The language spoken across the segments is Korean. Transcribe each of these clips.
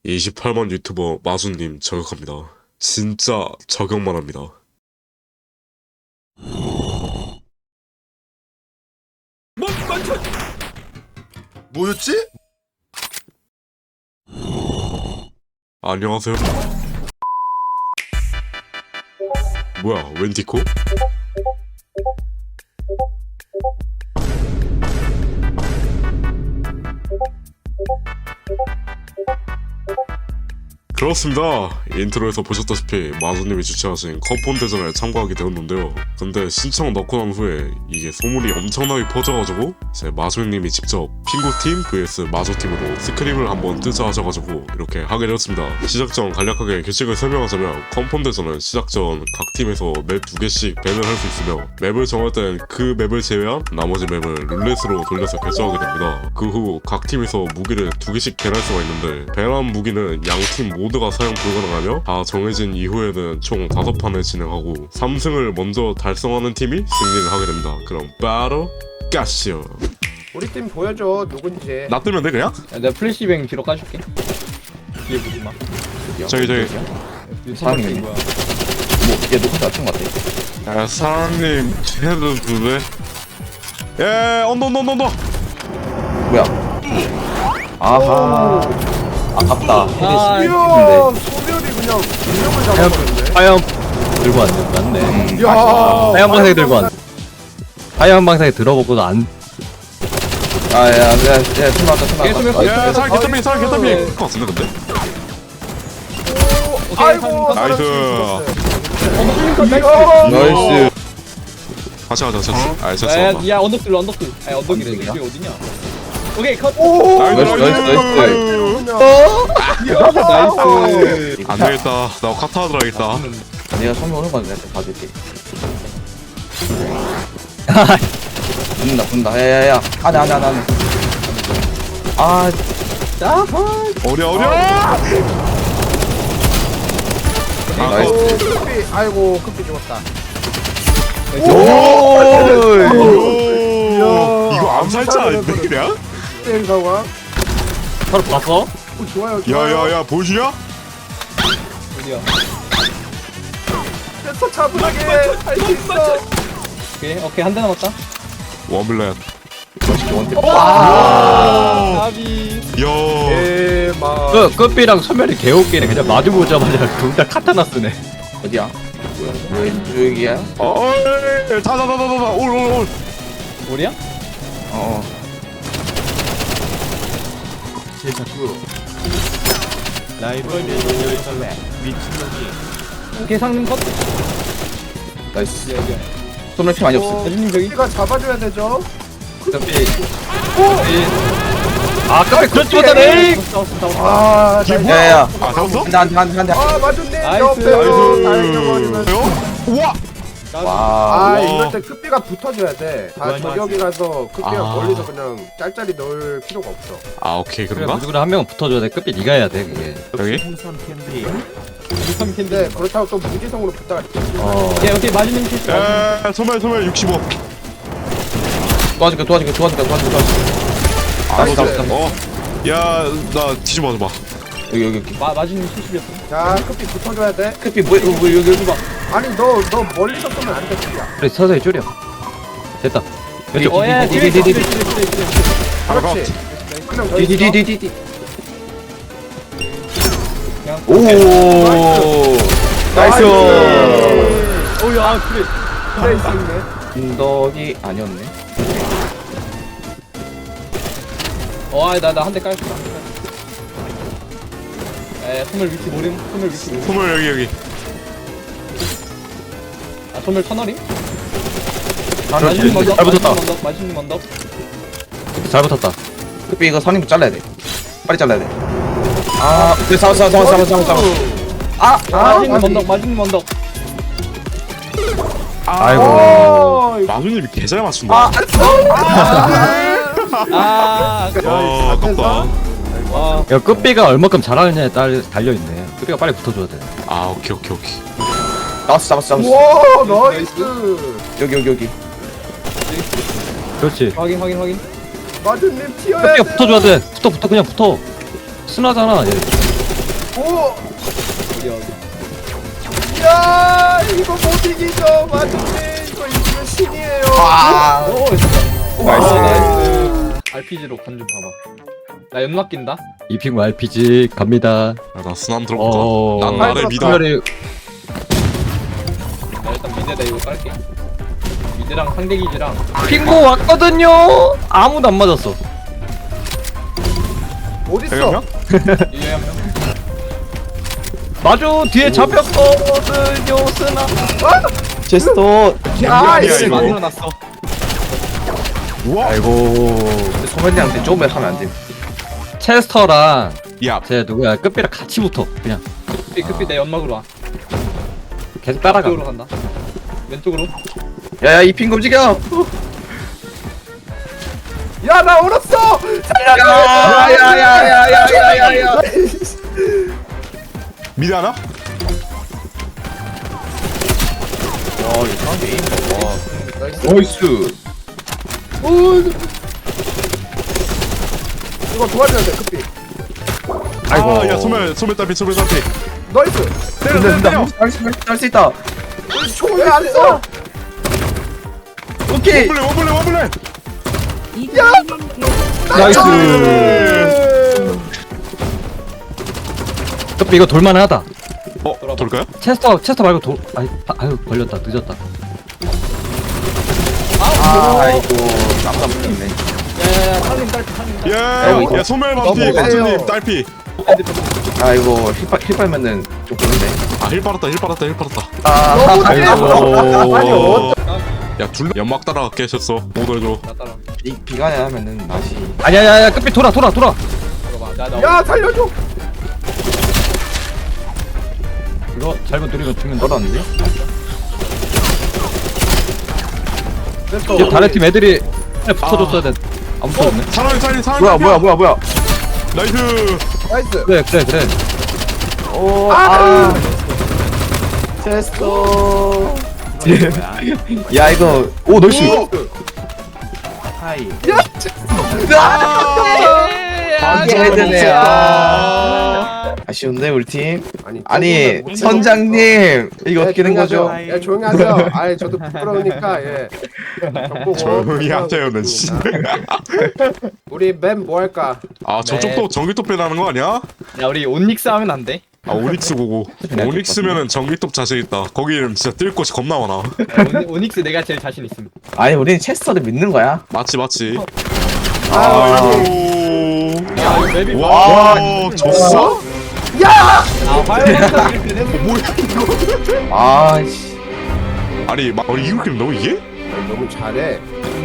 28만 유튜버 마수님 저격합니다. 진짜 저격만 합니다. 뭐였지? 안녕하세요. 뭐야, 웬 디코? 그렇습니다. 인트로에서 보셨다시피 마수님이 주최하신 컵폰 대전에 참가하게 되었는데요. 근데 신청 넣고 난 후에 이게 소문이 엄청나게 퍼져가지고 제 마수님이 직접 핑구팀 vs 마수팀으로 스크림을 한번 뜨자 하셔가지고 이렇게 하게 되었습니다. 시작 전 간략하게 규칙을 설명하자면 컵폰 대전은 시작 전 각 팀에서 맵 2개씩 밴을 할 수 있으며 맵을 정할 땐 그 맵을 제외한 나머지 맵을 룰렛으로 돌려서 결정하게 됩니다. 그 후 각 팀에서 무기를 2개씩 밴할 수가 있는데 밴한 무기는 양팀 모두가 사용 불가능하며 다 정해진 이후에는 총 5판을 진행하고 3승을 먼저 달성하는 팀이 승리를 하게 됩니다. 그럼 바로 가시오. 우리 팀 보여줘 누군지. 나 뜨면 돼 그냥? 야, 내가 플래시뱅 뒤로 까줄게. 뒤에 보지 마. 저기 사람이 뭐야? 뭐얘 녹화 낮춘 것 같아. 야 사장님 쟤도 두배 예 언더 뭐야? 아하. 아깝다. 아, 이야 근데 소멸이 그냥 인형을 잡아버렸네. 화염 들고 왔네. 맞네. 이야 화염 방사기 들고 왔네. 화염 방사기 들어보고도 안. 아야 술 나왔다 술 계속 나왔다. 야 사장 개터비 사장 개터비 그거 같은데 근데? 아이고 나이스. 나이스. 같이 가자 됐어 야, 언덕들, 언덕들. 아, 언덕이 이게 어디냐? 오케이, 컷. 나이스. 나이스. 안되겠다 나 카타 들어야겠다. 내가 처음에 오는 건 내가 봐줄게. 분다. 야야야. 안해. 아. 어려 나이스. 급비 아이고 급비 죽었다. 이거 암살자 아닌데 그냥? 땡 상황. 바로 봤어? 좋아요. 야야야 보여주냐? 어디야? 됐어 차분하게 할 수 있어. 오케이, 한 대 남았다. 원블렛 나비. 야 대박. 끝비랑 소멸이 개웃기네. 그냥 마주보자마자 둘 다 카타나 쓰네. 어디야? 뭐야? 여기야? 다다다다다 올 우리야? 어. 오케이, 상님 컷. 나이스. 여기야. 손을 피 많이 없어. 대준님 저기. 우리가 잡아줘야 되죠. 끝비. 아, 끝비 그렇지 못하네. 아 야야야. 아 잡았어? 한대. 아 맞았네. 나이스. 옆에서 다행이버리면. 우와 와. 아 이럴 때 급비가 붙어줘야 돼. 다 저격이라서 급비가 아. 멀리서 그냥 짤짤이 넣을 필요가 없어. 아 오케이 그래, 그런가? 무조건 한 명은 붙어줘야 돼. 끝비 네가 해야 돼, 그게. 여기? 근데 그렇다고 또 무지성으로 붙다가 오케이, 마지막 실수. 에 소멸 65 도와줄게. 나이스. 야나 뒤집어 봐 여기. 마지막 실수였어. 자 급비 붙어줘야 돼. 크피 뭐 여기 봐. 아니 너 멀리서 쏘면 안 돼 급비야. 그래, 서서히 줄여. 됐다. 왼쪽. 디디디디디. 그렇지. 그냥 더 있어. 디디디디디. 그냥. 오. 나이스. 오야, 그래. 그래 있네. 언덕이 아니었네. 나 한 대 깔았어. 소멸 위치 모름. 소멸 여기 아, 소멸 터널임? 그렇지. 먼저. 잘 붙었다. 마지막 먼저. 잘 붙었다. 크피 이거 선임 잘라야 돼. 빨리 잘라야 돼. 아, 그 싸워. 아, 마지막 먼저. 아이고. 마수님이 개잘 맞춘다 아깝다 와. 야, 끝비가 얼마큼 잘하느냐에 달려있네. 끝비가 빨리 붙어줘야 돼. 아 오케이 잡았어. 와 나이스. 여기. 그렇지. 확인. 마주님 튀어야 끝비가 돼. 붙어줘야 돼. 붙어, 그냥 붙어. 순하잖아, 얘. 오! 어디 어디. 야 이거 못 이기죠 마주님. 이거 이기면 신이에요. 아, 오 있었다. 나이스. 나이스. RPG로 간 좀 봐봐. 나 연막 낀다. 이핑구 RPG 갑니다. 나 순환 들어볼까? 난 나를 믿어. 특별히 나 일단 미드에다 이거 깔게. 미드랑 상대 기지랑. 핑구 왔거든요. 아무도 안 맞았어. 어딨어? 유해 한 명. 마주 뒤에 잡혔거든요. 쓰나. 제스터. 야 아니야, 이거 이거. 만들어놨어. 아이고. 소매님한테 조금만 하면 안 돼. 체스터랑 야, 제 누구야 끝비랑 같이 붙어. 그냥 급히 내 연막으로 와. 계속 따라가. 왼쪽으로 간다. 왼쪽으로. 야야 이 핑 움직여. 야나 얼었어. 야야야야야야야야. 미드 하나? 와 이거 사운드 에임. 와. 나이스. 이거 도와줘야 돼 급히. 아이고. 아, 야, 소멸 딸피, 소멸 딸피. 나이스. 때려 때려 때려. 할수 있다. 총왜 안 써? 오케이. 원블레, 원블레. 나이스. 끝비 이거 돌만하다. 돌까요? 체스터 말고 돌. 아유 걸렸다. 늦었다. 아이고 깜짝 놀랐네. 야야야 살림 딸피 살림 딸피. 야, 소멸 반피, 너무 관주님 세요. 딸피. 아이고 힐 빨면은 좀 그런데. 아, 힐 빨았다. 너무 아이고. 아니 야, 둘 연막 따라 깨셨어. 못 해줘. 나 따라. 이 비간에 하면은 맛이. 아니야 끝비 돌아. 들어봐. 나 야 살려줘. 이거 잘못 누리면 죽는다. 떨었는데? 이제 다른 팀 애들이 붙어줬어야 돼. 안 붙어줬네. 사람이 뭐야? 나이스. 나이스. 그래. 오, 아! 테스터. 야 이거 오 널씨. 하이. 헤드네. 아쉬운데 우리 팀. 아니 선장님 이거 어떻게 된 거죠? 예 조용히 하세요. 아니 저도 부끄러우니까 예. 조용히 하세요, 는 씨. 우리 맵 뭐 할까? 아, 저쪽도 전기톱 배나는 거 아니야? 야 우리 온닉스 하면 안 돼? 아, 오닉스 고고. 오닉스면은 전기톱 자신 있다. 거기는 진짜 뛸 곳이 겁나 많아. 오닉스 내가 제일 자신 있음. 아니 우리는 체스터를 믿는 거야. 맞지. 아, 야 이거 맵이 와, 졌어? 아 화요일부터 이렇게 되는 뭐야? 아씨. 아니, 이렇게 너무 이게? 아니, 너무 잘해.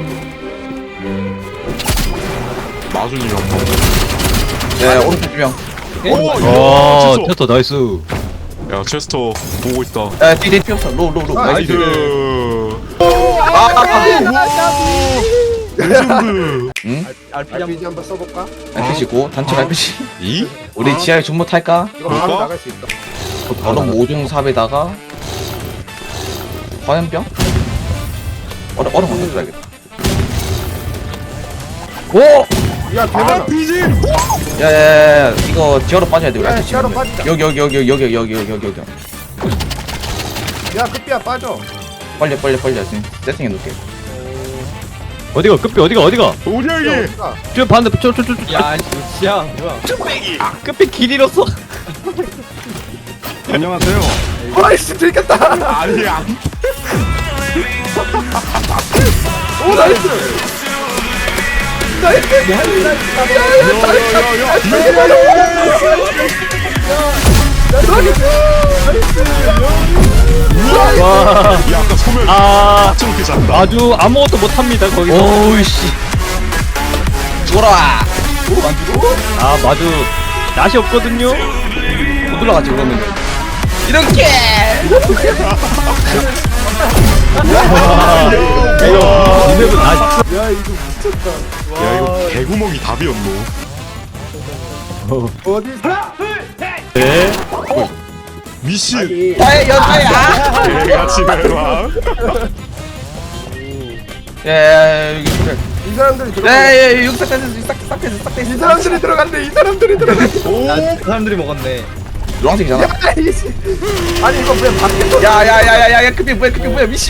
마준이 형. 네 오른쪽 두 명. 오, 와 야, 체스터 나이스. 야, 체스터 보고 있다. 야 뒤에 피었어. 로로. 나이스. 레전드. 응? RPG RPG 한번 써볼까? RPG 고 단체 RPG. 이? 우리 지하에 존모 탈까? 이거 바로 볼까? 나갈 수 있다. 얼음 5중 4배다가 화염병? 얼음 먼저 줘야겠다. 오. 야 대박. RPG. 야야야 이거 지하로 빠져야 돼. 우리 야 RPG 시야로 지금. 빠지자. 여기. 야 급비야 빠져. 빨리 지금 세팅해 놓을게. 어디가 끝비 어디가 어디야 야, 이게? 어디가? 저 반대 저 야 지야 뭐야? 끝비 길 잃었어. 안녕하세요. 아이씨 들켰다. 아니야. 오 나이스. 와. 야, 아까 소멸 아 저렇게 잘한다. 아주 아무것도 못합니다 거기서. 오우씨. 죽어라. 아 마주 낯이 없거든요. 못 올라가지 그러면. 이렇게. 이거 이맵은 아 야 이거 미쳤다. 야, 이거 개구멍이 답이었노. 어디? 네. 미신. 아니. 나의 연타야. 개같이 내놔. 야 여기 그래. 이 사람들이 들어. 야 여기 싹 됐어. 이 사람들이 들어간대. 이 사람들이 들어간대. 오. 그 사람들이 먹었네. 노란색이잖아. 아니 이거 왜 밖에서 야야야야야 급이 뭐야 미씨.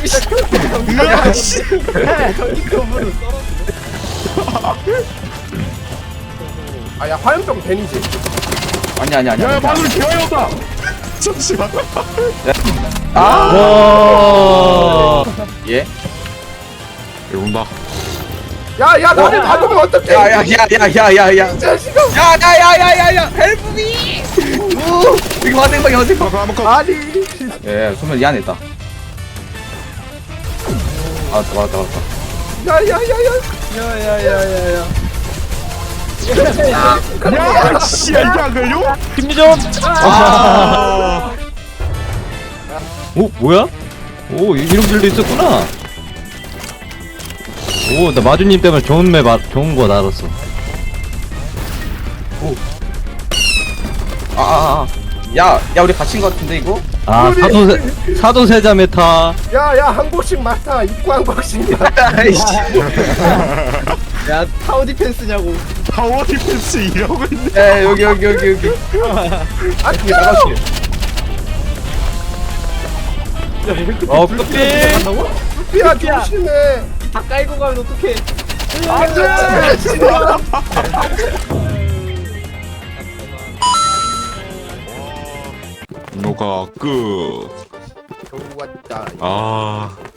아야 화염병 데니지. 아니야. 야 마늘 개화였다. 잠시만. 아 와. 예. 이거 온다. 야야 나를 놔두면 어떡해? 야야야야야야야. 이 자식아. 야야야야야야 헬프미. 이거 화생방이 화생방. 아니. 예 소면 이 안에 있다. 맞다. 야야야야. 야야야야야. 야 씨야 이게 안 걸려? 힘리 좀. 오 뭐야? 오 이런 길도 있었구나. 오 나 마주님 때문에 좋은 거 알았어. 야 우리 갇힌 거 같은데 이거? 아 사도세자 메타. 야야 한국식 맡아. 입구 한국식이야. 아이씨. 야 타워 디펜스냐고. 타워 디펜스 이러고 있네. 에 여기. 아 나갈게. 끝비. 야 조심해. 다 깔고 가면 어떡해. 노가 끝. 겨우 왔다. 아